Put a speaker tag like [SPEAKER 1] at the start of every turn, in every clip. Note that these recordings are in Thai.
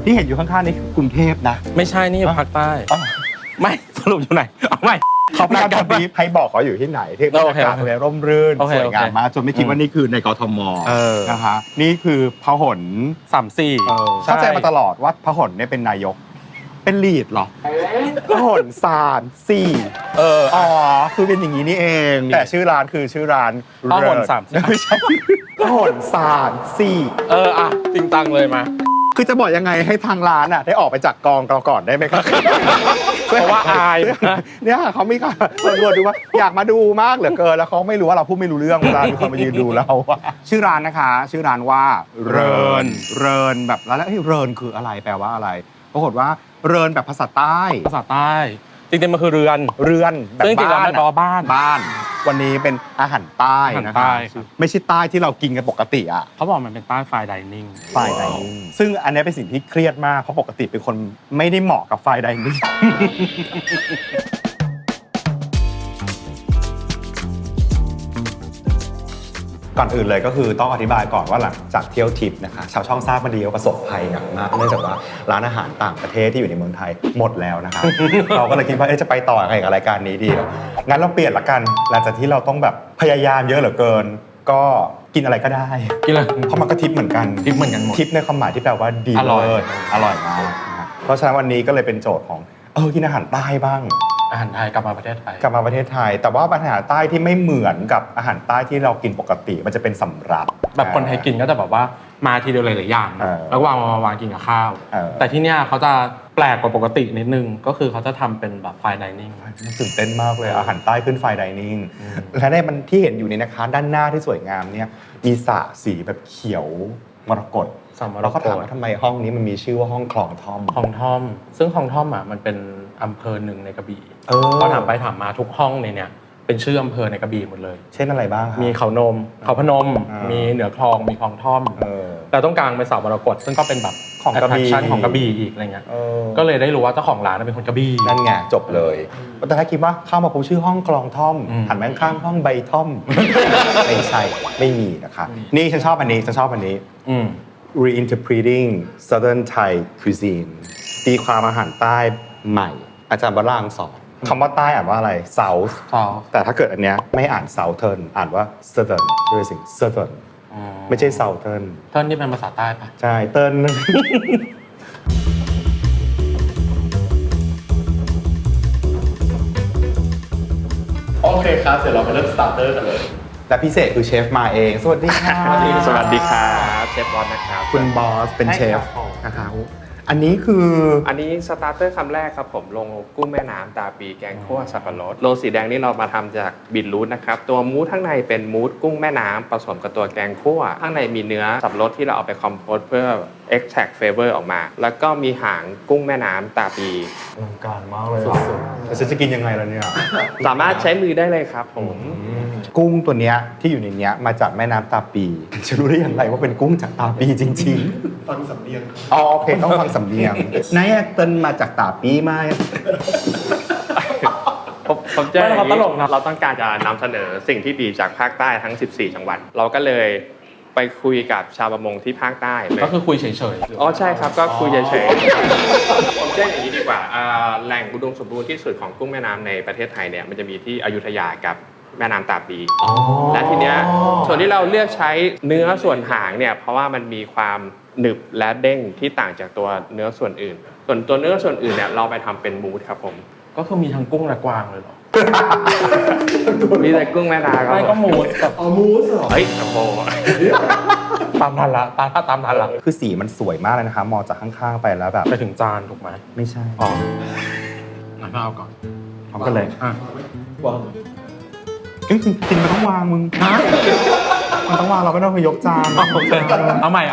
[SPEAKER 1] ที่เห็นอยู่ข้างๆนี่คือกรุงเทพนะ
[SPEAKER 2] ไม่ใช่นี่อยู่ภาคใต้ไม่สรุปอยู่ไหนเอาไม่
[SPEAKER 1] เขาพยายามบีบให้บอกเขาอยู่ที่ไหนที่บรรยากาศเลยร่มรื่นสวยงามมากจนไม่คิดว่านี่คือในกทมนะคะนี่คือพหล
[SPEAKER 2] 34
[SPEAKER 1] เข้าใจมาตลอดว่าพหลเนี่ยเป็นนายกเป็นลีดเหรอพหล34อ๋อคือเป็นอย่างนี้นี่เองแต่ชื่อร้านคือชื่อร้าน
[SPEAKER 2] พหล34
[SPEAKER 1] ไม่ใช่พหล34
[SPEAKER 2] อ่ะจริงตังเลยมา
[SPEAKER 1] คือจะบอกยังไงให้ทางร้านอ่ะได้ออกไปจากกองเราก่อนได้ไหมครับ
[SPEAKER 2] เพราะว่าอาย
[SPEAKER 1] เนี่ยเขาไม่กล้าตำรวจดูว่าอยากมาดูมากเหลือเกินแล้วเขาไม่รู้ว่าเราพูดไม่รู้เรื่องเวลามีคนมายืนดูเราชื่อร้านนะคะชื่อร้านว่าเรินแบบแล้วเรินคืออะไรแปลว่าอะไรปรากฏว่าเรินแบบภาษาใต้
[SPEAKER 2] จริงๆมันคือเรือน
[SPEAKER 1] แบบบ้าน
[SPEAKER 2] บ้าน
[SPEAKER 1] วันนี้เป็นอาหารใต้นะคะไม่ใช่ใต้ที่เรากินกันปกติอ่ะ
[SPEAKER 2] เขาบอกมันเป็นใต้ไฟไดนิ่ง
[SPEAKER 1] ซึ่งอันนี้เป็นสิ่งที่เครียดมากเพราะปกติเป็นคนไม่ได้เหมาะกับไฟไดนิ่งก่อนอื่นเลยก็คือต้องอธิบายก่อนว่าหลังจากเที่ยวทริปนะคะชาวช่องทราบมาดีว่าประสบภัยหนักมากเนื่องจากว่าร้านอาหารต่างประเทศที่อยู่ในเมืองไทยหมดแล้วนะคะ เราก็เลยคิดว่าจะไปต่อยังไงกับรายการนี้ดีงั้นเราเปลี่ยนละกันหลังจากที่เราต้องแบบพยายามเยอะเหลือเกินก็กินอะไรก็ได้เพราะมันก็ทิปเหมือนกัน
[SPEAKER 2] หมด
[SPEAKER 1] ทิปในความหมายที่แปลว่าดีอร่อยมากเพราะฉะนั้นวันนี้ก็เลยเป็นโจทย์ของกินอาหารใต้บ้าง
[SPEAKER 2] อาหารไทยกลับมาประเทศไทย
[SPEAKER 1] แต่ว่าอาหารใต้ที่ไม่เหมือนกับอาหารใต้ที่เรากินปกติมันจะเป็นสำรับ
[SPEAKER 2] แบบคนไทยกินก็จะแบบว่ามาทีเดียวหลายๆอย่างแล้ววางกินกับข้าวแต่ที่เนี้ยเขาจะแปลกกว่าปกตินิดนึงก็คือเขาจะทำเป็นแบบไฟไดนิ่ง
[SPEAKER 1] ตื่นเต้นมากเลยอาหารใต้ขึ้นไฟไดนิ่งและในมันที่เห็นอยู่ในนะคะด้านหน้าที่สวยงามเนี่ยมีสระสีแบบเขียวมรกตเราก็ถามว่าทำไมห้องนี้มันมีชื่อว่าห้องคลองท่อม
[SPEAKER 2] ซึ่งคลองท่อมอ่ะมันเป็นอำเภอหนึ่งในกระบี่ก็ถามไปถามมาทุกห้องในเนี่ยเป็นชื่ออำเภอในกระบี่หมดเลย
[SPEAKER 1] เช่นอะไรบ้างครับ
[SPEAKER 2] มีเขาพนมมีเหนือคลองมีคลองท่อมแต่ต้องกลางเป็นเสามรกตซึ่งก็เป็นแบบ
[SPEAKER 1] ของกระบี่
[SPEAKER 2] ของกระบี่อีกอะไรเงี้ยก็เลยได้รู้ว่าเจ้าของร้านเป็นคนกระบี่
[SPEAKER 1] นั่นไงจบเลยแต่ถ้าคิดว่าเข้ามาปุ๊บชื่อห้องคลองท่อมหันไปข้างห้องใบท่อมไม่ใช่ไม่มีนะคะนี่ฉันชอบอันนี้Reinterpreting Southern Thai Cuisine ตีความอาหารใต้ใหม่อาจารย์วรางค์สอนคำว่าใต้อ่านว่าอะไร South แต่ถ้าเกิดอันเนี้ยไม่อ่าน Southern อ่านว่า Southern ด้วยสิ่ง Southern ไม่ใช่ Southern
[SPEAKER 2] เติ้ลนี่เป็นภาษาใต้ปะ
[SPEAKER 1] ใช่เติ้ล
[SPEAKER 2] โอเคครับเดี๋ยวเรามาเริ่มสตาร์เตอร์กันเลย
[SPEAKER 1] และพิเศษคือเชฟมาเองสวัสดีค่ะ
[SPEAKER 2] สวัสดีครับเชฟบอสนะครับ
[SPEAKER 1] คุณบอสเป็นเชฟนะครับอันนี้
[SPEAKER 3] สตาร์เตอร์คำแรกครับผมลงกุ้งแม่น้ำตาปีแกงคั่วสับปะรดโรสีแดงนี่เรามาทำจากบีทรูทนะครับตัวมูสข้างในเป็นมูสกุ้งแม่น้ำผสมกับตัวแกงคั่วข้างในมีเนื้อสับปะรดที่เราเอาไปคอมโพสเพื่อ extract flavor ออกมาแล้วก็มีหางกุ้งแม่น้ำตาปี
[SPEAKER 1] อลังการมากเลยแต่ฉันจะกินยังไงล่ะเนี่ย
[SPEAKER 3] สามารถใช้มือได้เลยครับผม
[SPEAKER 1] กุ้งตัวเนี้ยที่อยู่ในเนี้ยมาจากแม่น้ำตาปีจะรู้ได้อย่างไรว่าเป็นกุ้งจากตาปีจริงๆฟังสำเนียงโอเคต้องฟังสำเนียงนายเติ้ลมาจากตาปีไหม
[SPEAKER 3] ผมจะตลกนะเราต้องการจะนำเสนอสิ่งที่ดีจากภาคใต้ทั้ง14จังหวัดเราก็เลยไปคุยกับชาวประมงที่ภาคใต้
[SPEAKER 2] ก็คือคุยเฉย
[SPEAKER 3] ๆใช่ครับก็คุยเฉยๆผมแจ้งอย่างนี้ดีกว่าแหล่งอุดมสมบูรณ์ที่สุดของกุ้งแม่น้ำในประเทศไทยเนี่ยมันจะมีที่อยุธยากับแม่น้ำตาปีและทีเนี้ยส่วนที่เราเลือกใช้เนื้อส่วนหางเนี่ยเพราะว่ามันมีความหนึบและเด้งที่ต่างจากตัวเนื้อส่วนอื่นส่วนตัวเนื้อส่วนอื่นเนี่ยเราไปทำเป็นมูสครับผม
[SPEAKER 2] ก็คือมีทั้งกุ้งและกวางเลยเหรอ
[SPEAKER 3] มีแต่กุ้งแม่น้ำ
[SPEAKER 2] ไม่ก็มูสกับ
[SPEAKER 1] มูสเหรอ
[SPEAKER 3] เฮ้ยโอ้โห
[SPEAKER 2] ตามทันละ
[SPEAKER 1] คือสีมันสวยมากเลยนะคะมองจากข้างๆไปแล้วแบบ
[SPEAKER 2] ไปถึงจานถูกไหม
[SPEAKER 1] ไม่ใช่
[SPEAKER 2] งั้นเอาก่อน
[SPEAKER 1] พร้อมกันเลยวางกินมันต้องวางมึงมันต้องวางเราไม่ต้องยกจาน
[SPEAKER 2] เอาใหม่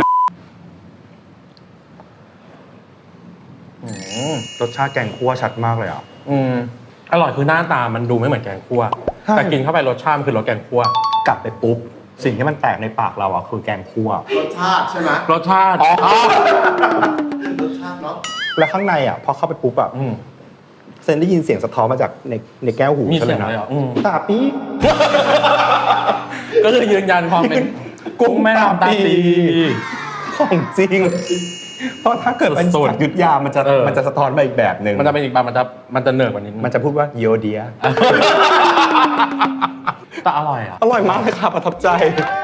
[SPEAKER 1] รสชาติแกงคั่วชัดมากเลยอ่ะ
[SPEAKER 2] อร่อยคือหน้าตามันดูไม่เหมือนแกงคั่วแต่กินเข้าไปรสชาติมันคือรสแกงคั่ว
[SPEAKER 1] กลับไปปุ๊บสิ่งที่มันแตกในปากเราอ่ะคือแกงคั่ว
[SPEAKER 4] รสชาติใช่ไหม
[SPEAKER 2] รสชาติ
[SPEAKER 4] รสชาติเนาะ
[SPEAKER 1] แล้วข้างในอ่ะพอเข้าไปปุ๊บอ่ะเซนได้ยินเสียงสะท้อนมาจากในแก้วหู
[SPEAKER 2] ใช่ไหมนะ
[SPEAKER 1] ตาปี
[SPEAKER 2] ก็คือยืนยันความเป็นกุ้งแม่น้ำตาปี
[SPEAKER 1] ของจริงเพราะถ้าเกิดเป็น
[SPEAKER 2] สุดๆ
[SPEAKER 1] สักยุทธยามันจะสะท้อนมาอีกแบบหนึ่ง
[SPEAKER 2] มันจะเป็นอีกแบบมันจะเหนือกว่านี้
[SPEAKER 1] มันจะพูดว่าโยเดีย
[SPEAKER 2] แต่อร่อยอ่ะ
[SPEAKER 1] อร่อยมากเลยค่ะประทับใจ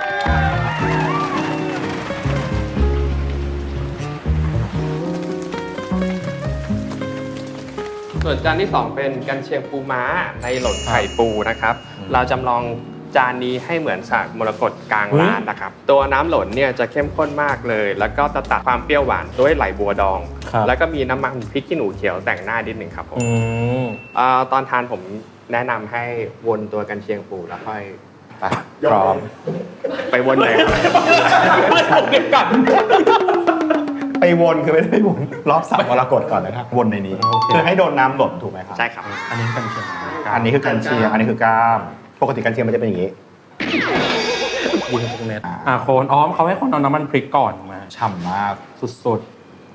[SPEAKER 3] ส่วนจานที่ 2 เป็นกันเชียงปูม้าในหล่นไข่ปูนะครับ เราจำลองจานนี้ให้เหมือนสากมรกตกลางร้านนะครับ ตัวน้ำหล่นเนี่ยจะเข้มข้นมากเลย แล้วก็จะตัดความเปรี้ยวหวานด้วยไหลบัวดอง แล้วก็มีน้ำมันพริกขี้หนูเขียวแต่งหน้านิดหนึ่งครับผมตอนทานผมแนะนำให้วนตัวกันเชียงปูแล้วค่อย
[SPEAKER 1] ไปพร้อม
[SPEAKER 3] ไปวนเลยครับ
[SPEAKER 2] ผมเก็บกลับ
[SPEAKER 1] ไปวนคือไม่ได้ไปวนรอบสามมรกตก่อนนะครับวนในนี้คือให้โดนน้ำหล่นถูกไหมครับ
[SPEAKER 3] ใช่ครับ
[SPEAKER 2] อันนี้กันเชียง
[SPEAKER 1] อันนี้คือกันเชียงอันนี้คือกล้ามปกติกันเชียงมันจะเป็นอย่างนี้
[SPEAKER 2] ยิงทุกเม็ดโคนเขาให้คนเอาน้ำมันพริกก่อนมา
[SPEAKER 1] ฉ่ำมาก
[SPEAKER 2] สุด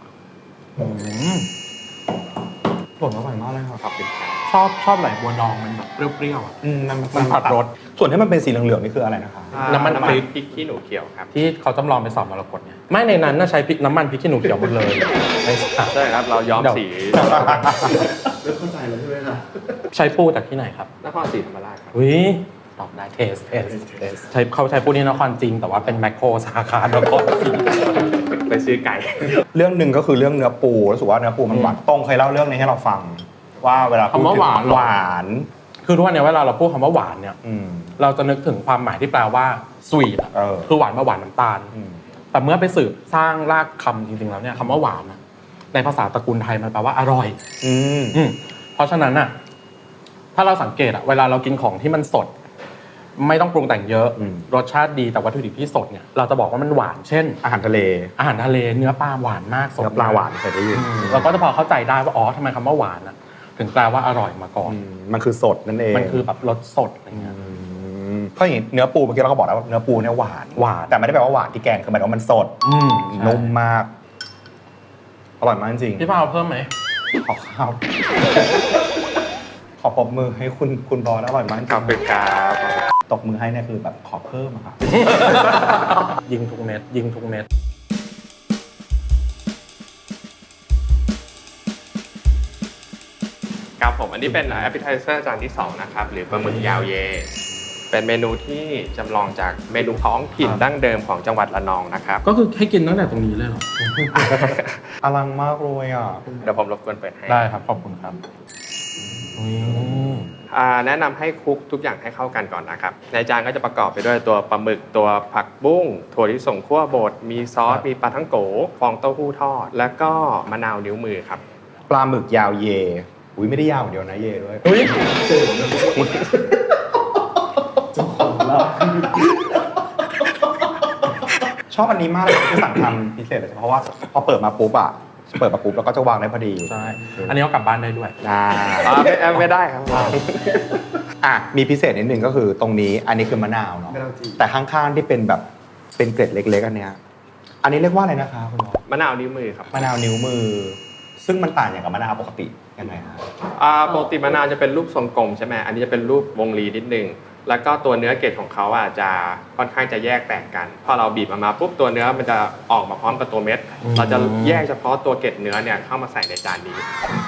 [SPEAKER 1] หล่นอร่อยมากเลยครับ
[SPEAKER 2] ๆชอบไหลบัวดองมันแบบเปรี้ยวๆอ่ะ มันผัดรส
[SPEAKER 1] ส่วนที่มันเป็นสีเหลืองๆนี่คืออะไรนะคะ
[SPEAKER 2] น้ำมันพริก
[SPEAKER 3] พริกขี้หนูเขียวครับ
[SPEAKER 2] ที่เขาจำลองเป็นสอบมรกตเนี่ยไม่ในนั้นน่าใช้พริกน้ำมันพริกขี้หนูเขียวหมดเลยไม่ใช่
[SPEAKER 3] ใช่ครับเราย้อมสี
[SPEAKER 4] เริ่มเข้าใจแล้วใช่ไหมล่ะ
[SPEAKER 2] ใช้ปูจากที่ไหนครับ
[SPEAKER 3] นครศรีธรรมราชครับ
[SPEAKER 2] วิตอบได้เทสเขาใช้ปูนี่นครจริงแต่ว่าเป็นแมคโครสาขานครศรี
[SPEAKER 3] ไปซื้อไก่
[SPEAKER 1] เรื่องหนึ่งก็คือเรื่องเนื้อปูรู้สึกว่าเนื้อปูมันหวานตรงเคยเล่าเรื่องนี้ให้เราฟัง ว่าเวลาพูดถึงหวาน
[SPEAKER 2] คือทุกวันนี้เวลาเราพูดคำว่าหวานเนี่ย เราจะนึกถึงความหมายที่แปลว่าสวีทอ่ะคือหวานมาหวานน้ำตาลแต่เมื่อไปสืบสร้างรากคำจริงๆแล้วเนี่ยคำว่าหวานในภาษาตระกูลไทยมันแปลว่าอร่อยเพราะฉะนั้นน่ะถ้าเราสังเกตอะเวลาเรากินของที่มันสด ไม่ต้องปรุงแต่งเยอะรสชาติดีแต่วัตถุดิบที่สดเนี่ยเราจะบอกว่ามันหวานเช่น
[SPEAKER 1] อาหารทะเล
[SPEAKER 2] เนื้อปลาหวานมากสด
[SPEAKER 1] เนื้อปลาหวานเคยได้ยิน
[SPEAKER 2] เราก็จะพอเข้าใจได้ว่าอ๋อทำไมคำว่าหวานอะถึงแปลว่าอร่อยมาก่อน
[SPEAKER 1] มันคือสดนั่นเอง
[SPEAKER 2] มันคือแบบรสสดอะไรเงี้ย
[SPEAKER 1] เพราะอย่างนี้เนื้อปูเมื่อกี้เราก็บอกแล้วว่าเนื้อปูเนี่ยหวานแต่ไม่ได้แปลว่าหวานที่แกงคือหมายถึงว่ามันสดนุ่มมากอร่อยมากจริง
[SPEAKER 2] พี่พาวเพิ่มไหม
[SPEAKER 1] ขอข้าวขอปรบมือให้คุณบอลอร่อยมากจริง
[SPEAKER 3] ขอบคุณครับ
[SPEAKER 1] ตบมือให้เนี่ยคือแบบขอเพิ่มอะครับ
[SPEAKER 2] ยิงทุกเม็ด
[SPEAKER 3] ครับผมอันนี้เป็น appetizer จานที่ 2 นะครับ หรือปลาหมึกยาวเย เป็นเมนูที่จำลองจากเมนูท้องถิ่นดั้งเดิมของจังหวัดระนองนะครับ
[SPEAKER 2] ก็คือให้กินตั้งแต่ตรงนี้เลยเหรอ
[SPEAKER 1] อลังมากเลยอ่ะ
[SPEAKER 3] เดี๋ยวผมรบกวนเปิดให้
[SPEAKER 2] ได้ครับขอบคุณครับ
[SPEAKER 3] แนะนำให้คลุกทุกอย่างให้เข้ากันก่อนนะครับ ในจานก็จะประกอบไปด้วยตัวปลาหมึกตัวผักบุ้งถั่วลิสงคั่วบดมีซอสมีปลาทั้งโกฟองเต้าหู้ทอด แล้วก็มะนาวนิ้วมือครับ
[SPEAKER 1] ปลาหมึกยาวเยอุ้ยไม่ได้ยาวอย่างเดียวนะเยด้วยชอบอันนี้มากเลยที่สั่งทำพิเศษเลยเพราะว่าพอเปิดมาปุ๊บแล้วก็จะวางได้พอดี
[SPEAKER 2] ใช่อันนี้เอากลับบ้านได้ด้วย
[SPEAKER 3] ไม่ได้ครับ
[SPEAKER 1] มีพิเศษนิดนึงก็คือตรงนี้อันนี้คือมะนาวเนาะแต่ข้างๆที่เป็นแบบเป็นเกล็ดเล็กๆอันเนี้ยอันนี้เรียกว่าอะไรนะคะคุณหมอ
[SPEAKER 3] มะนาวนิ้วมือครับ
[SPEAKER 1] มะนาวนิ้วมือซึ่งมันต่างอย่างกับมะนาวปกติยังไงฮะ
[SPEAKER 3] ปกติมะนาวจะเป็นรูปทรงกลมใช่ไหมอันนี้จะเป็นรูปวงรีนิดนึงแล้วก็ตัวเนื้อเกล็ดของเขาจะค่อนข้างจะแยกแตกกันพอเราบีบมาปุ๊บตัวเนื้อมันจะออกมาพร้อมกับตัวเม็ดเราจะแยกเฉพาะตัวเกล็ดเนื้อเนี่ยเข้ามาใส่ในจานนี้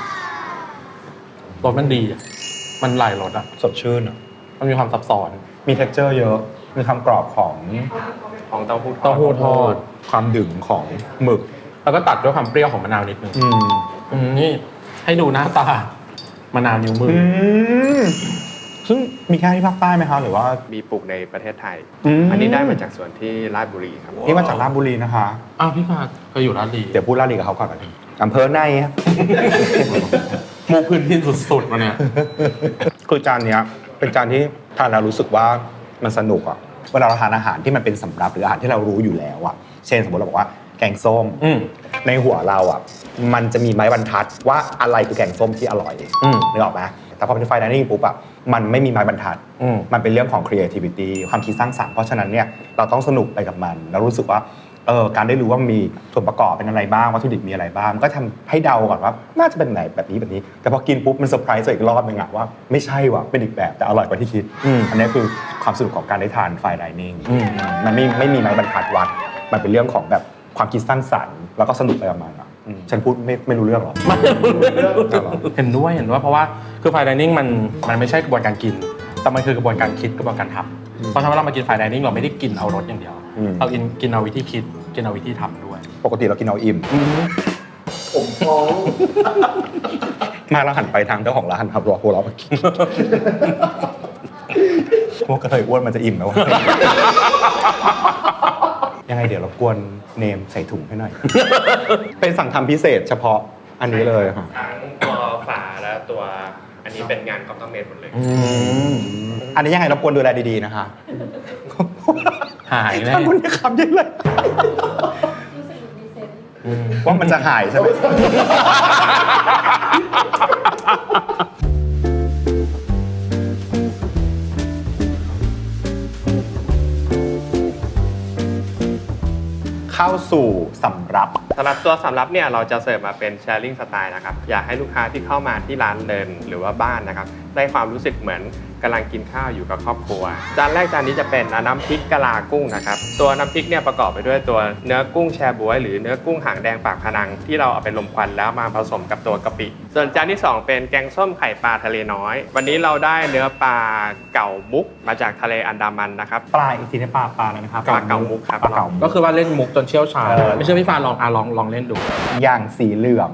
[SPEAKER 2] รสมันดีอะมันหลายรสอะ
[SPEAKER 1] สดชื่นอ่ะ
[SPEAKER 2] มันมีความซับซ้อน
[SPEAKER 1] มี texture เยอะมีความกรอบของ
[SPEAKER 3] เต้าหู้
[SPEAKER 2] เต้าหู้ทอด
[SPEAKER 1] ความดึงของหมึก
[SPEAKER 2] แล้วก็ตัดด้วยความเปรี้ยวของมะนาวนิดนึงนี่ให้ดูหน้าตามะนาวนิ้วมือ
[SPEAKER 1] ซึ่งมีแค่ที่ภาคใต้ไหมคะหรือว่า
[SPEAKER 3] มีปลูกในประเทศไทย อันนี้ได้มาจากสวนที่ราชบุรีครับ
[SPEAKER 1] นี่มาจากราชบุรีนะคะ
[SPEAKER 2] อ้าวพี่ฟาดเคยอยู่ราชบุรี
[SPEAKER 1] เดี๋ยวพูดราชบุรีกับเขาก่อนกันอำเภอในครับ
[SPEAKER 2] มูพื้นที่สุดๆมาเนี่ย
[SPEAKER 1] คือจานเนี้ยเป็นจานที่ทานแล้วรู้สึกว่ามันสนุกอ่ะเวลาเราทานอาหารที่มันเป็นสำรับหรืออาหารที่เรารู้อยู่แล้วอ่ะเช่นสมมติเราบอกว่าแกงส้มในหัวเราอ่ะมันจะมีไม้บรรทัดว่าอะไรคือแกงส้มที่อร่อยนึกออกไหมแต่พอเป็นไฟน์ไดนิ่งปุ๊บอะมันไม่มีไม้บรรทัดมันเป็นเรื่องของ creativity ความคิดสร้างสรรค์เพราะฉะนั้นเนี่ยเราต้องสนุกไปกับมันแล้วรู้สึกว่าการได้รู้ว่ามีส่วนประกอบเป็นอะไรบ้างวัตถุดิบมีอะไรบ้างก็ทำให้เดาก่อนว่าน่าจะเป็นไหนแบบนี้แต่พอกินปุ๊บมันเซอร์ไพรส์อีกรอบนึงอะว่าไม่ใช่ว่ะเป็นอีกแบบแต่อร่อยกว่าที่คิดอันนี้คือความสนุกของการได้ทานไฟน์ไดนิ่งมันไม่มีไม้บรรทัดวัดมันเป็นเรื่องของแบบความคิดสร้างสรรค์แล้วก็สนุกไปกับมันอ่ะฉันพูดไม่รู้เรื่องหรอ
[SPEAKER 2] เห็นด้วยเพราะว่าคือไฟน์ไดนิ่งมันไม่ใช่กระบวนการกิน แต่มันคือกระบวนการคิดกระบวนการทำเพราะฉะนั้นเรามากินไฟน์ไดนิ่งเราไม่ได้กินเอารสอย่างเดียวเรากินเอาวิธีคิดกินเอาวิธีทำด้วย
[SPEAKER 1] ปกติเรากินเอาอิ่ม
[SPEAKER 4] ผมท้อง
[SPEAKER 1] มาเราหันไปทางเจ้าของร้านครับรอพวกเรามากินพวกกระเทยอ้วนมันจะอิ่มไหมวะ ยังไงเดี๋ยวรบกวนเนมใส่ถุงให้หน่อย เป็นสั่งทำพิเศษเฉพาะอันนี้เลยค่ะ
[SPEAKER 3] ทั้งตัวฝาและตัวอันนี้เป็นงานคอมพิวเตอร์หมดเลย
[SPEAKER 1] อันนี้ยังไงรบกวนดูแลดีๆนะคะ
[SPEAKER 2] หายแน่
[SPEAKER 1] ถ้าคุณจะคำยังไง
[SPEAKER 5] รู้สึกดีเซนต์
[SPEAKER 1] ว่ามันจะหายใช่ไหม เข้าสู่สำรับ
[SPEAKER 3] สำหรับตัวสำรับเนี่ยเราจะเสิร์ฟมาเป็น sharing style นะครับอยากให้ลูกค้าที่เข้ามาที่ร้านเดินหรือว่าบ้านนะครับได้ความรู้สึกเหมือนกำลังกินข้าวอยู่กับครอบครัวจานแรกจานนี้จะเป็นน้ำพริกกะลากุ้งนะครับตัวน้ำพริกเนี่ยประกอบไปด้วยตัวเนื้อกุ้งแชบ๊วยหรือเนื้อกุ้งหางแดงปากพนังที่เราเอาไปลมควันแล้วมาผสมกับตัวกะปิส่วนจานที่สองเป็นแกงส้มไข่ปลาทะเลน้อย วันนี้เราได้เนื้อปลาเก่ามุกมาจากทะเลอันดามันนะครับ
[SPEAKER 1] ปลาอีกทีในปลาอะไรนะครับ
[SPEAKER 3] ปลาเก่ามุกครับ
[SPEAKER 1] ปลาเก่า
[SPEAKER 2] ก็คือว่าเล่นมุกจนเชี่ยวชาญ
[SPEAKER 1] เออ
[SPEAKER 2] ไม่เชื่อพี่ฟ้าลองเล่นดู
[SPEAKER 1] อย่างสีเหลือง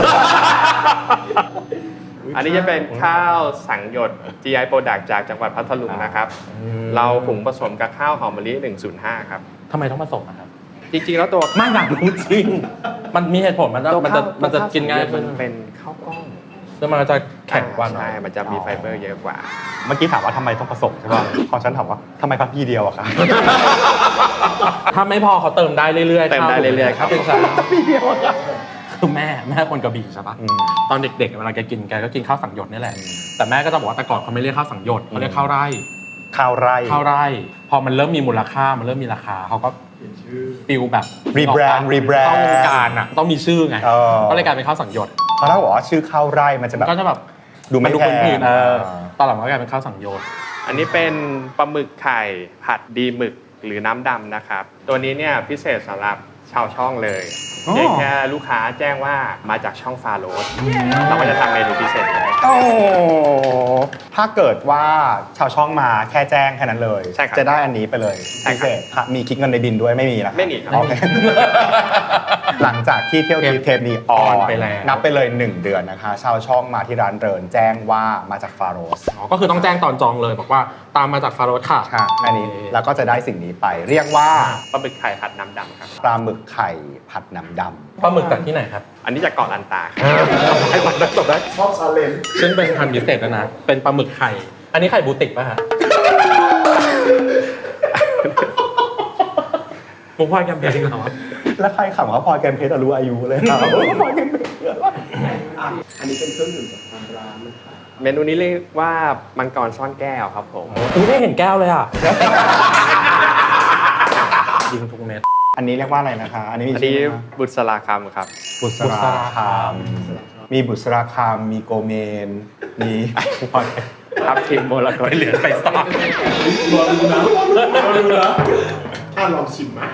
[SPEAKER 3] อันนี้จะเป็นข้าวสังหยด GI Product จากจังหวัดพัทลุงนะครับเราหุงผสมกับข้าวหอมมะลิ 105 ครับ
[SPEAKER 2] ทำไมต้องมาส่งนะครับ
[SPEAKER 3] จริงๆแล้วตัว
[SPEAKER 2] ไม่อยากรู้จริง มันมีเหตุผลมันจะกินง่ายขึ้น
[SPEAKER 3] มันเป็นข้าวกล้อง
[SPEAKER 2] แล้วมันก็จะแข็งกว่าหน่อ
[SPEAKER 3] ใช่
[SPEAKER 2] ย
[SPEAKER 3] มันจะมีไฟเบอร์เยอะกว่า
[SPEAKER 1] เมื่อกี้ถามว่าทำไมต้องผสมใช่ป่ะพอฉันถามว่าทำไมพักพี่เดียวอะคะ
[SPEAKER 2] ถ้าไม่พอเขาเติมได้เรื่อยๆ
[SPEAKER 3] เติมได้เรื่อยๆครับ
[SPEAKER 2] เป็นสารพี่เดียวคือแม่คนกระบี่ใช่ปะตอนเด็กๆเวลาแกกินแกก็กินข้าวสังหยดนี่แหละแต่แม่ก็จะบอกว่าแต่ก่อนเขาไม่เรียกข้าวสังหยดเขาเรียกข้าวไร่
[SPEAKER 1] ข้าวไร่
[SPEAKER 2] พอมันเริ่มมีมูลค่ามันเริ่มมีราคาเขาก็ฟิลแบบ
[SPEAKER 1] rebrand
[SPEAKER 2] ต้องวงการอ่ะต้องมีชื่อไงก็เลยกลายเป็นข้าวสังหยด
[SPEAKER 1] เพราะถ้าบอกว่าชื่อข้าวไร่มันจะแบบ
[SPEAKER 2] ก็จะแบบ
[SPEAKER 1] ดูไม่
[SPEAKER 2] น
[SPEAKER 1] แพง
[SPEAKER 2] พื้นๆตอนหลังก็กลายเป็นข้าวสังหยด
[SPEAKER 3] อันนี้เป็นปลาหมึกไข่ผัดดีหมึกหรือน้ำดำนะครับ ตัวนี้เนี่ยพิเศษสำหรับชาวช่องเลยเพียงแค่ลูกค้าแจ้งว่ามาจากช่องฟาโรสเราก็จะทำเมนูพิเศษนี้ให้
[SPEAKER 1] โอ้ถ้าเกิดว่าชาวช่องมาแค่แจ้งแค่นั้นเลย
[SPEAKER 3] ใช่ครับ
[SPEAKER 1] จะได้อันนี้ไปเลย
[SPEAKER 3] ใช่
[SPEAKER 1] พิ
[SPEAKER 3] ครับ
[SPEAKER 1] เศษค่ะมีคิดเงินในบินด้วยไม่มีนะ
[SPEAKER 3] ไม่มีครับ
[SPEAKER 1] โอเค หลังจากที่เที่ยวทิปเทปนี้ออน
[SPEAKER 2] ไปแล้ว
[SPEAKER 1] นับไปเลย 1 เดือนนะคะ ชาวช่องมาที่ร้านเรินแจ้งว่ามาจากฟาโรส
[SPEAKER 2] ก็คือต้องแจ้งตอนจองเลยบอกว่าตามมาจากฟาโรสค่ะ
[SPEAKER 1] ค่ะอันนี้แล้วก็จะได้สิ่งนี้ไป เรียกว่า
[SPEAKER 3] ปลาหมึกไข่ผัดน้ำดำครับ
[SPEAKER 1] ปลาหมึกไข่ผัดน้ำด
[SPEAKER 2] ปลาหมึกจากที่ไหนครับ
[SPEAKER 3] อันนี้จากเกาะลันตาครับ
[SPEAKER 2] ไอ้บัตรได้จบได้
[SPEAKER 4] ชอบชาเลนจ์
[SPEAKER 2] ซึ่งเป็นพันธุ์พิเศษแล้วนะ เป็นปลาหมึกไข่ อันนี้ไข่บูติกป่ะฮะมุกพลอยแกมเพลงเหรอ
[SPEAKER 1] ำแล้วใครขำเขาพลอยแกมเพชรรู้อายุเลยครับพลอยแกมเพชร
[SPEAKER 4] อันนี้เป็นเครื่องดื่มจากทางร้านนะคะ
[SPEAKER 3] เมนูนี้เรียกว่ามังกรซ่อนแก้วครับผม
[SPEAKER 2] อุ้ยไม่เห็นแก้วเลยอ่ะ ยิงทุกเม็ด
[SPEAKER 1] อันนี้เรียกว่าอะไรนะคะ อันนี้มี
[SPEAKER 3] อัน
[SPEAKER 1] ชื่
[SPEAKER 3] นี้
[SPEAKER 1] อไหมคะ
[SPEAKER 3] บุษราคำครับ
[SPEAKER 1] บุษราคามมีบุษราคามมีโกเมนมีพลอย
[SPEAKER 3] ครับทีมโมลก
[SPEAKER 2] ไปเหลือไปซาก
[SPEAKER 4] รอดูนะรอดูนะลองชิมไหม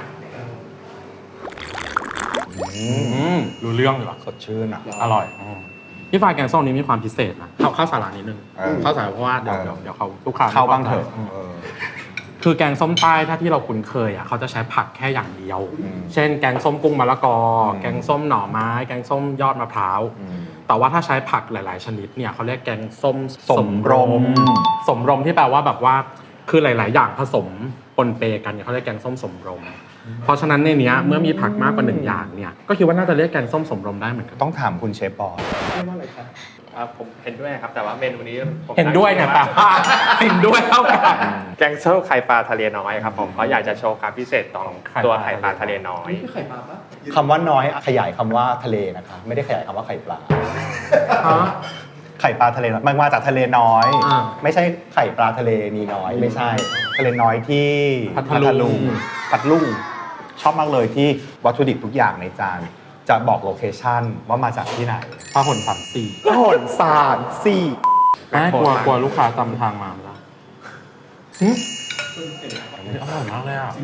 [SPEAKER 2] รู้เรื่องอยู่อ่ะ
[SPEAKER 1] สดชื่นอ่ะ
[SPEAKER 2] อร่อยพี่ฟ้าแกงส้มนี้มีความพิเศษนะข้าวสาระนิดนึง
[SPEAKER 1] เออ
[SPEAKER 2] ข้าวสาระเพราะว่าเดี๋ยวเขาลูกค้า
[SPEAKER 1] เข้าบ้างเถอะ
[SPEAKER 2] คือแกงส้มใต้ถ้าที่เราคุ้นเคยอ่ะเขาจะใช้ผักแค่อย่างเดียว เช่นแกงส้มกุ้งมะละกอ แกงส้มหน่อไม้ แกงส้มยอดมะพร้าว แต่ว่าถ้าใช้ผักหลาย ๆ ชนิดเนี่ยเขาเรียกแกงส้มสมรมที่แปลว่าแบบว่าคือหลาย ๆ อย่างผสมปนเปกันเนี่ยเขาเรียกแกงส้มสมรม เพราะฉะนั้นในเนี้ยเมื่อมีผักมากกว่า1อย่างเนี่ยก็คิดว่าน่าจะเรียกแกงส้มสมรมได้เหมือนกัน
[SPEAKER 1] ต้องถามคุณเชฟบอล
[SPEAKER 4] เรียกว่าอะไรคะ
[SPEAKER 3] ผมเห็นด้วยครับ แต่ว่าเมนูนี้ผม
[SPEAKER 2] เห็นด้วยเนี่ยแต่ว่าเห็นด้วยเท่ากัน
[SPEAKER 3] แกงส้มไข่ปลาทะเลน้อยครับผมเพราะอยากจะโชว์ความพิเศษของตัวไข่ปลาทะเลน้อย
[SPEAKER 4] นี่คือไข่ปลาปะ
[SPEAKER 1] คำว่าน้อยขยายคำว่าทะเลนะคะ ไม่ได้ขยายคำว่าไข่ปลา ไข่ปลาทะเลน้อยมันมาจากทะเลน้อย
[SPEAKER 2] อ่า
[SPEAKER 1] ไม่ใช่ไข่ปลาทะเลนีน้อย ไม่ใช่ ทะเลน้อยที่
[SPEAKER 2] พัทลุง
[SPEAKER 1] พัทลุงชอบมากเลยที่วัตถุดิบทุกอย่างในจานจะบอกโลเคชั่นว่ามาจากที่ไหน
[SPEAKER 2] พหล34
[SPEAKER 1] พหลสารสี่
[SPEAKER 2] กลัวลูกค้าจำทางมาไม่ได้อร่อยมากเลยอ่ะ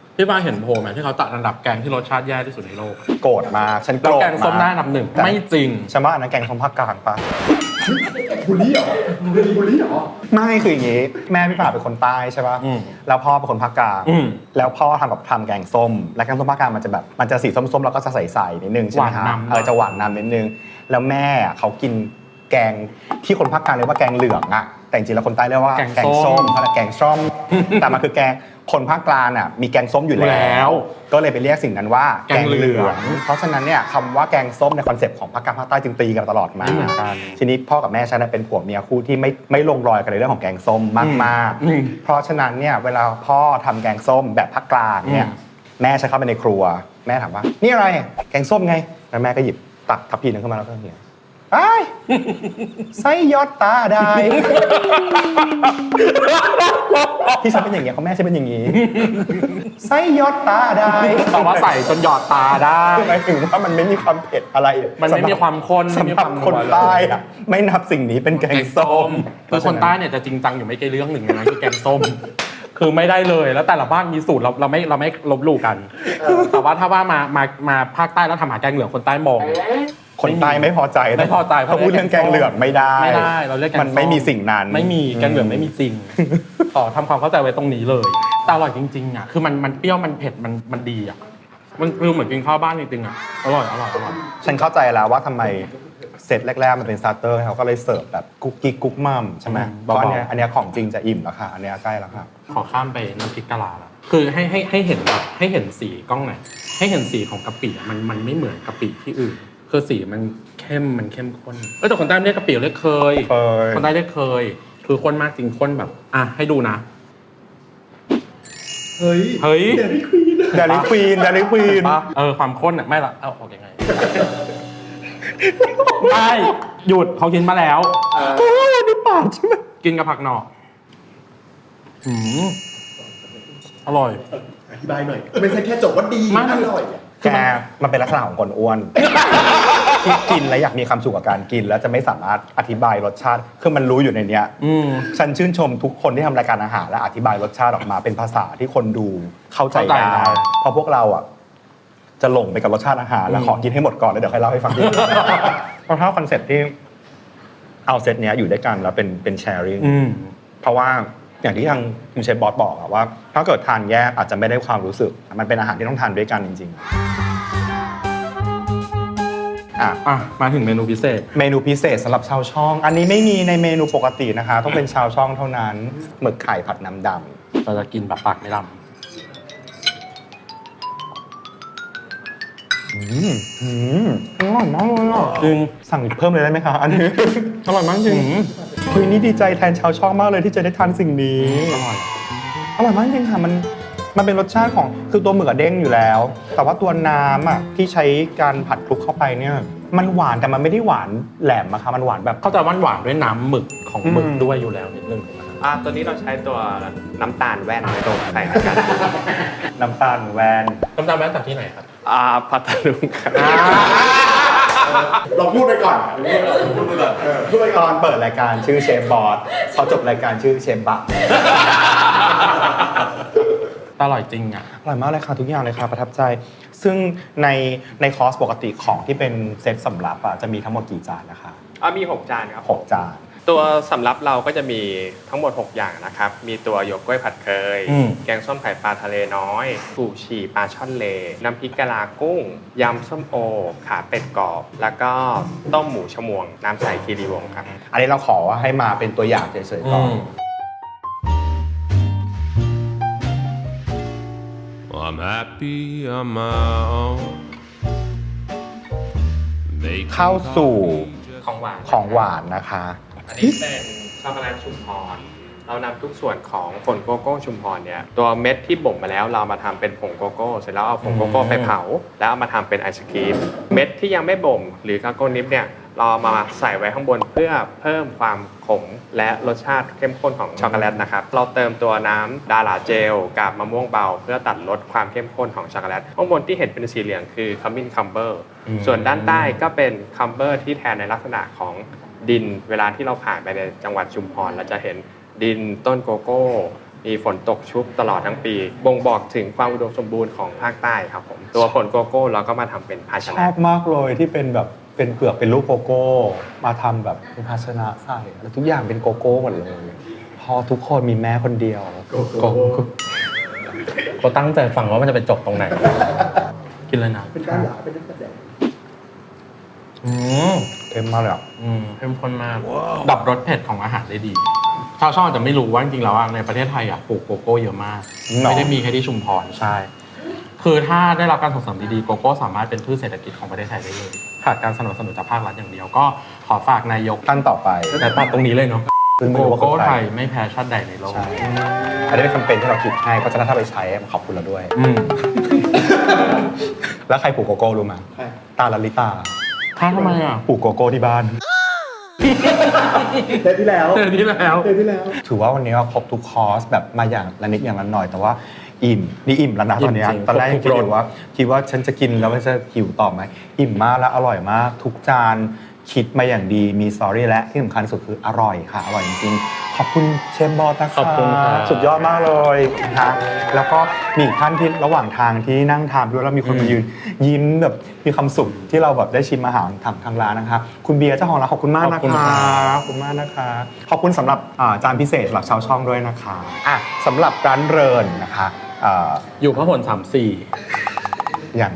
[SPEAKER 2] พี่ว่าเห็นโพลไหมที่เขาจัดอันดับแกงที่รสชาติแย่ที่สุดในโลก
[SPEAKER 1] โกรธมากฉันโก
[SPEAKER 2] แล้ว
[SPEAKER 1] รธ
[SPEAKER 2] แกงส้มได้
[SPEAKER 1] มาก
[SPEAKER 2] อันดับหนึ่งไม่จริง
[SPEAKER 1] ฉันว่าอันนั้นแกงส้มภาคกลางปะ
[SPEAKER 4] บุรีเหรอบุรีเหรอ
[SPEAKER 1] ไม่คืออย่างงี้แม่พี่ป่าเป็นคนใต้ใช่ป่ะ
[SPEAKER 2] อืม
[SPEAKER 1] แล้วพ่อเป็นคนภาคกลาง
[SPEAKER 2] อืม
[SPEAKER 1] แล้วพ่อทำแกงส้ม และแกงส้มภาคกลางมันจะสีส้มๆแล้วก็จะใสๆนิดนึงใช่ไหม
[SPEAKER 2] หวาน
[SPEAKER 1] ฮะ
[SPEAKER 2] นำ
[SPEAKER 1] จะหวานนำนิดนึงแล้วแม่เขากินแกงที่คนภาคกลางเรียกว่าแกงเหลืองอะแต่จริงๆแล้วคนใต้เรียกว่าแกงส้มแกงส้มแต่มันคือแกงคนภาคกลางอ่ะมีแกงส้มอยู่แล้ว ก็เลยไปเรียกสิ่งนั้นว่าแกงเหลือง เพราะฉะนั้นเนี่ยคำว่าแกงส้มในคอนเซปต์ของภาคกลางภาคใต้จึงตีกันตลอดมา
[SPEAKER 2] ไม่เหมือนกัน
[SPEAKER 1] ทีนี้พ่อกับแม่ฉันเป็นผัวเมียคู่ที่ไม่ลงรอยกันในเรื่องของแกงส้มมากๆเพราะฉะนั้นเนี่ยเวลาพ่อทำแกงส้มแบบภาคกลางเนี่ยแม่ฉันเข้าไปในครัวแม่ถามว่านี่อะไรแกงส้มไงแล้วแม่ก็หยิบตักทัพพีนึงขึ้นมาแล้วก็เหี่ยไอ้ไส้ยอดตาได้ ที่ฉันเป็นอย่างเงี้ยเขาแม่ฉันเป็นอย่างงี้ไส้ยอดตาได้
[SPEAKER 2] แต่ว่าใส่จนหยอดตาได้
[SPEAKER 1] หมายถึงว่ามันไม่มีความเผ็ดอะไร
[SPEAKER 2] มันไม่มีความข้นไม่มี
[SPEAKER 1] สำห
[SPEAKER 2] ค
[SPEAKER 1] รั
[SPEAKER 2] วา
[SPEAKER 1] บ
[SPEAKER 2] ม
[SPEAKER 1] คน
[SPEAKER 2] นัวเลย
[SPEAKER 1] ใต้อะไม่นับสิ่งนี้เป็นแก
[SPEAKER 2] แก
[SPEAKER 1] ง
[SPEAKER 2] ง
[SPEAKER 1] ส้
[SPEAKER 2] ส้
[SPEAKER 1] ม
[SPEAKER 2] มคือคนใต้เนี่ยจะจริงจังอยู่ไม่กี่เรื่องหนึ่งนะคือแกงส้ม คือไม่ได้เลยแล้วแต่ละบ้านมีสูตรเราไม่ลบหลู่กัน แต่ว่าถ้าว่ามาภาคใต้แล้วทำอาหารแกงเหลืองคนใต้มอง
[SPEAKER 1] คนใต้ไม่พอใจ
[SPEAKER 2] ไม่พอใจ
[SPEAKER 1] เขาพูดเรื่องแกงเหลืองไม่ได้
[SPEAKER 2] ไม่ได้เราเรียกแกงส้
[SPEAKER 1] มันไม่มีสิ่งนั้น
[SPEAKER 2] ไม่มีแกงเหลืองไม่มีจริงขอทำความเข้าใจไว้ตรงนี้เลยแต่อร่อยจริงๆอ่ะคือมันเปรี้ยวมันเผ็ดมันดีอ่ะมันคือเหมือนกินข้าวบ้านจริงๆอ่ะอร่อย
[SPEAKER 1] ฉันเข้าใจแล้วว่าทำไมเซตแรกๆมันเป็นสตาร์เตอร์เขาก็เลยเสิร์ฟแบบกุ๊กกิ๊กกุ๊กมัมใช่ไหมเพราะอันเนี้ยของจริงจะอิ่มแล้วค่ะอันเนี้ยใกล้แล้วค่ะ
[SPEAKER 2] ขอข้ามไปน้ำพริกกะลาละคือให้เห็นแบบให้เห็นสีกล้องหน่อยให้เห็นสีของกะปิอะมันไม่เหมือนกะปิที่อื่นคือสีมันเข้มข้นแต่คนใต้เรียกกะปิเรียกเคยคนใต้เรียกเคยคือข้นมากจริงข้นแบบอ่ะให้ดูนะ
[SPEAKER 4] เฮ้ย
[SPEAKER 1] เดลิควีน
[SPEAKER 2] ปะความข้นอ่ะไม่ละเอาออกยังไง ไม่หยุดเขากินมาแล้ว
[SPEAKER 1] โอ้ยอันนี้ปาดใช่ไหม
[SPEAKER 2] กินกับผักหน่ออร่อย
[SPEAKER 4] อธิบายหน่อย ไม่ใช่แค่จบว่าดี
[SPEAKER 2] ไม่
[SPEAKER 4] อร่อย
[SPEAKER 1] แกมันเป็นลักษณะของคนอ้วน ที่กินแล้วอยากมีความสุขกับการกิน แล้วจะไม่สามารถอธิบายรสชาติคือมันรู้อยู่ในเนี้ยฉันชื่นชมทุกคนที่ทำรายการอาหารและอธิบายรสชาติออกมาเป็นภาษาที่คนดูเข้าใจได้เพราะพวกเราอ่ะจะหลงไปกับรสชาติอาหารแล้วขอกินให้หมดก่อนแล้วเดี๋ยวค่อยเล่าให้ฟังทีเพราะถ้าคอนเซ็ปต์ที่เอาเซตเนี้ยอยู่ด้วยกันแล้วเป็นแชร์ริ่งเพราะว่าอย่างที่ทางคุณเชฟบอสบอกอะว่าถ้าเกิดทานแยกอาจจะไม่ได้ความรู้สึกมันเป็นอาหารที่ต้องทานด้วยกันจริงๆ
[SPEAKER 2] มาถึงเมนูพิเศษ
[SPEAKER 1] เมนูพิเศษสำหรับชาวช่อง อันนี้ไม่มีในเมนูปกตินะคะ ต้องเป็นชาวช่องเท่านั้นหมึกไข่ผัดน้ำด
[SPEAKER 2] เราจะกินแบบปากไม่ล
[SPEAKER 1] ำอร่อยมากเลยอ่ะ
[SPEAKER 2] ำจริง
[SPEAKER 1] สั่งอีกเพิ่มเลยได้ไหมคะอันนี้ อร่อยมากจริงเฮ้ยนี่ดีใจแทนชาวช่องมากเลยที่จะได้ทานสิ่งนี้
[SPEAKER 2] อร่อย
[SPEAKER 1] อร่อยมากจริงค่ะมันเป็นรสชาติของคือตัวหมึกอะเด้งอยู่แล้ว แต่ว่าตัวน้ำอะที่ใช้การผัดคลุกเข้าไปเนี่ยมันหวานแต่มันไม่ได้หวานแหลมอะค่ะมันหวานแบบ
[SPEAKER 2] เข้าใจหวานด้วยน้ำหมึกของหมึกด้วยอยู่แล้วนิดนึง
[SPEAKER 3] ตัวนี้เราใช้ตัวน้ำตาลแว่นในตัวใส่ในการ
[SPEAKER 1] น้ำตาลแวน
[SPEAKER 2] น้ำตาลแม้จากที่ไหนครับ
[SPEAKER 3] พัทลุงครับ
[SPEAKER 4] เราพูดไปก่อนพูดไปก่อนพูดไป
[SPEAKER 1] ต
[SPEAKER 4] ก่
[SPEAKER 1] อ
[SPEAKER 4] อน
[SPEAKER 1] นเปิดรายการชื่อเชฟบอสพอจบรายการชื่อเชฟบัก
[SPEAKER 2] อร่อยจริงอ่ะ
[SPEAKER 1] อร่อยมากเลยค่ะทุกอย่างเลยค่ะประทับใจ ซึ่งในคอร์สปกติของที่เป็นเซตสำรับอะจะมีทั้งหมดกี่จานนะคะ
[SPEAKER 3] มี6 จานครับ
[SPEAKER 1] 6 จาน
[SPEAKER 3] ตัวสำรับเราก็จะมีทั้งหมด 6 อย่างนะครับ มีตัวหยวกกล้วยผัดเคย แกงส้มไข่ปลาทะเลน้อยกูฉี่ปลาช่อนเล น้ำพริกกะลากุ้ง ยำส้มโอ ขาเป็ดกรอบ แล้วก็ต้มหมูชมวง น้ำใสคีรีวงศ์ครับ
[SPEAKER 1] อันนี้เราขอว่าให้มาเป็นตัวอย่างเฉยๆก่อน
[SPEAKER 6] I'm happy on my own.
[SPEAKER 1] เข้าสู่
[SPEAKER 3] ของหวาน
[SPEAKER 1] ของหวานนะคะ
[SPEAKER 3] อันนี้เป็นช็อกโกแลตชุมพร เรานำทุกส่วนของผงโกโก้ชุมพรเนี่ยตัวเม็ดที่บ่มมาแล้วเรามาทำเป็นผงโกโก้เสร็จแล้วเอาผงโกโก้ไปเผาแล้วเอามาทำเป็นไอศครีมเม็ดที่ยังไม่บ่มหรือกาโก้นิปเนี่ยเราเอามาใส่ไว้ข้างบนเพื่อเพิ่มความขมและรสชาติเข้มข้นของช็อกโกแลตนะครับเราเติมตัวน้ำดาราเจลกับมะม่วงเบาเพื่อตัดลดความเข้มข้นของช็อกโกแลตข้างบนที่เห็นเป็นสีเหลืองคือขมิ้นคัมเบอร์ส่วนด้านใต้ก็เป็นคัมเบอร์ที่แทนในลักษณะของดินเวลาที่เราผ่านไปในจังหวัดชุมพรเราจะเห็นดินต้นโกโก้มีฝนตกชุกตลอดทั้งปี บ่งบอกถึงความอุดมสมบูรณ์ของภาคใต้ครับผมตัวผลโกโก้เราก็มาทำเป็นภาช
[SPEAKER 1] ช
[SPEAKER 3] นะ
[SPEAKER 1] อบมากเลยที่เป็นแบบเป็นเปลือกเป็นรูปโกโก้ มาทำแบบเป็นภาชนะใส่แล้วทุกอย่างเป็นโกโก้หมดเลยพอทุกคนมีแม่คนเดียว
[SPEAKER 4] โกโก้
[SPEAKER 2] ก็ตั้งใจฟังว่ามันจะไปจบตรงไหน กินเลยนะ
[SPEAKER 4] เป็นด้านหลังเป็นนักแสดง
[SPEAKER 1] เต็มมากเลยอ่ะ
[SPEAKER 2] เข้มข้นมาก ดับรสเผ็ดของอาหารได้ดี ชาวช่องอาจจะไม่รู้ว่าจริงๆแล้วในประเทศไทยปลูกโกโก้เยอะมาก ไม่ได้มีแค่ที่ชุมพรใช่ คือถ้าได้รับการส่งเสริมดีๆโกโก้สามารถเป็นพืชเศรษฐกิจของประเทศไทยได้เลยขาดการสนับสนุนจากภาครัฐอย่างเดียวก็ขอฝากนายก
[SPEAKER 1] ท่านต่อไป
[SPEAKER 2] แต่ตัดตรงนี้เลยเนาะ
[SPEAKER 1] ซึ่งไม่
[SPEAKER 2] โก
[SPEAKER 1] รู้ว่า
[SPEAKER 2] โก้
[SPEAKER 1] คือ
[SPEAKER 2] ไท
[SPEAKER 1] ใคร
[SPEAKER 2] ยไม่แพ้ชาติใดในโลก
[SPEAKER 1] ใช่อันนี้เป็นแคมเปญที่เราคิดให้เพราะฉะนั้นถ้าไปใช้ขอบคุณเราด้วย แล้วใครปลูกโกโก้รู้ไหม
[SPEAKER 4] ใช่
[SPEAKER 1] ตาลลิตา
[SPEAKER 2] ถ้าทำไมอ่ะ
[SPEAKER 1] ปลูกโกโก้ที่บ้าน
[SPEAKER 4] เทปที่แล้ว
[SPEAKER 2] เจอที่แล้ว
[SPEAKER 4] เทปที่แล้ว
[SPEAKER 1] ถือว่าวันนี้เราครบทุกคอร์สแบบมาอย่างละนิดอย่างละหน่อยแต่ว่าอิ่มนี่อิ่มแล้วนะตอนเนี้ย
[SPEAKER 2] อิ่มจริง
[SPEAKER 1] ตอนแรก
[SPEAKER 2] คร
[SPEAKER 1] ยั
[SPEAKER 2] บ
[SPEAKER 1] ง
[SPEAKER 2] ทุ
[SPEAKER 1] คิ
[SPEAKER 2] ก
[SPEAKER 1] ด
[SPEAKER 2] รส
[SPEAKER 1] อยู่ว่าฉันจะกินแล้วมันจะหิวต่อไหมอิ่มมากและอร่อยมาก ทุกจานคิดมาอย่างดีมีสตอรี่และที่สำคัญสุดคืออร่อยค่ะ อร่อยจริงๆขอบคุณเชฟบอสนะคะ
[SPEAKER 2] ขอบคุณครับ
[SPEAKER 1] สุดยอดมากเลยนะคะแล้วก็มีอีกท่านที่ระหว่างทางที่นั่งทานด้วยแล้วมีคนมายืนยิ้มแบบมีความสุขที่เราแบบได้ชิมอาหารทางร้านนะคะคุณเบียร์เจ้าของร้านขอบคุณมากนะคะ ขอบคุณมากนะคะ ขอบคุณสำหรับจานพิเศษสำหรับชาวช่องด้วยนะคะอ่ะสำหรับร้านเรินนะคะ
[SPEAKER 2] อยู่พหล34
[SPEAKER 1] อย่าง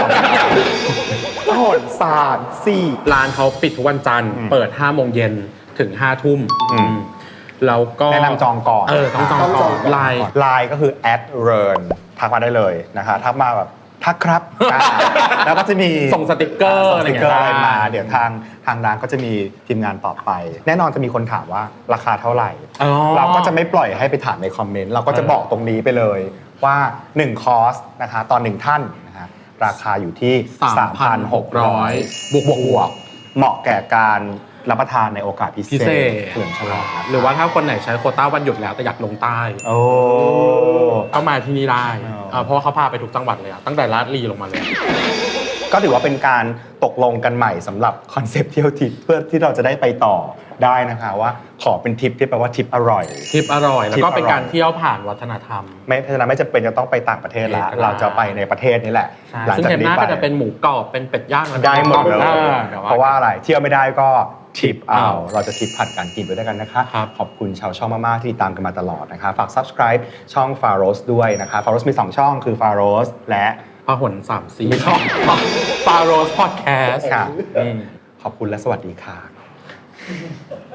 [SPEAKER 1] หอนสารสี่
[SPEAKER 2] ร้านเขาปิดทุกวันจันทร์ เปิด 5 โมงเย็นถึง 5 ทุ่ม แล้วก็
[SPEAKER 1] แนะนำจองก่อน
[SPEAKER 2] ต้องจองก่อนไลน์
[SPEAKER 1] ไลน์ก็คือ @ren ทักมาได้เลยนะคะทักมาแบบทักครับแล้วก็จะมี
[SPEAKER 2] ส่งสติกเกอร์
[SPEAKER 1] ส่ง
[SPEAKER 2] อะ
[SPEAKER 1] ส
[SPEAKER 2] ไร
[SPEAKER 1] ติกเกอร์
[SPEAKER 2] เงี้ย
[SPEAKER 1] อะไรมา
[SPEAKER 2] ได้
[SPEAKER 1] เดี๋ยวทางร้านก็จะมีทีมงานตอบไป แน่นอนจะมีคนถามว่าราคาเท่าไหร่
[SPEAKER 2] อ๋อ
[SPEAKER 1] เราก็จะไม่ปล่อยให้ไปถามในคอมเมนต์เราก็จะบอกตรงนี้ไปเลยว่า1คอร์สนะคะตอน1ท่านนะคะราคาอยู่ที่ 3,600 บวกเหมาะแก่การรับประทานในโอกาสพิ
[SPEAKER 2] พิ
[SPEAKER 1] เศ
[SPEAKER 2] เศ
[SPEAKER 1] ษ
[SPEAKER 2] ษ
[SPEAKER 1] เฉลิมฉลองนะคะ
[SPEAKER 2] หรือว่าถ้าคนไหนใช้โควต้าวันหยุดแล้วแต่อยากลงใต้
[SPEAKER 1] โอ้
[SPEAKER 2] ก็มาที่นี่ได้
[SPEAKER 1] อ๋อ
[SPEAKER 2] เพราะว่าเขาพาไปทุกจังหวัดเลยอะตั้งแต่ลาดลีลงมาเลย
[SPEAKER 1] ก็ถือว่าเป็นการตกลงกันใหม่สำหรับคอนเซปต์เที่ยวทิปเพื่อที่เราจะได้ไปต่อได้นะคะว่าขอเป็นทริปที่แปลว่าทริปอร่อย
[SPEAKER 2] ทริปอร่อย แล้วก็เป็น
[SPEAKER 1] ทริปอร่อย
[SPEAKER 2] การเที่ยวผ่านวัฒนธรรม
[SPEAKER 1] ไม่เพราะฉะนั้นไม่จำเป็นจะต้องไปต่างประเทศละ
[SPEAKER 2] ก็ได้
[SPEAKER 1] เราจะไปในประเทศนี้แหละ
[SPEAKER 2] ใช่
[SPEAKER 1] หลัง
[SPEAKER 2] ซึ่ง
[SPEAKER 1] จาก
[SPEAKER 2] เทปห
[SPEAKER 1] นี้
[SPEAKER 2] น้า
[SPEAKER 1] ไป
[SPEAKER 2] ก็จะเป็นหมูกรอบเป็นเป็ดย่าง
[SPEAKER 1] ได้หมดเลย
[SPEAKER 2] ดี๋ยว
[SPEAKER 1] เพราะว่าอะไรเที่ยวไม่ได้ก็ทิปเอา
[SPEAKER 2] เอา
[SPEAKER 1] เราจะทิปผ่านการกินไปด้วยกันนะคะ
[SPEAKER 2] ครับ
[SPEAKER 1] ขอบคุณชาวช่องมากๆที่ติดตามกันมาตลอดนะคะฝาก subscribe ช่อง Faros ด้วยนะคะ Faros มี2ช่องคือ Faros และ
[SPEAKER 2] พหล34ช่องฟาโรสพอดแคสต์
[SPEAKER 1] ค่ะขอบคุณและสวัสดีค่ะ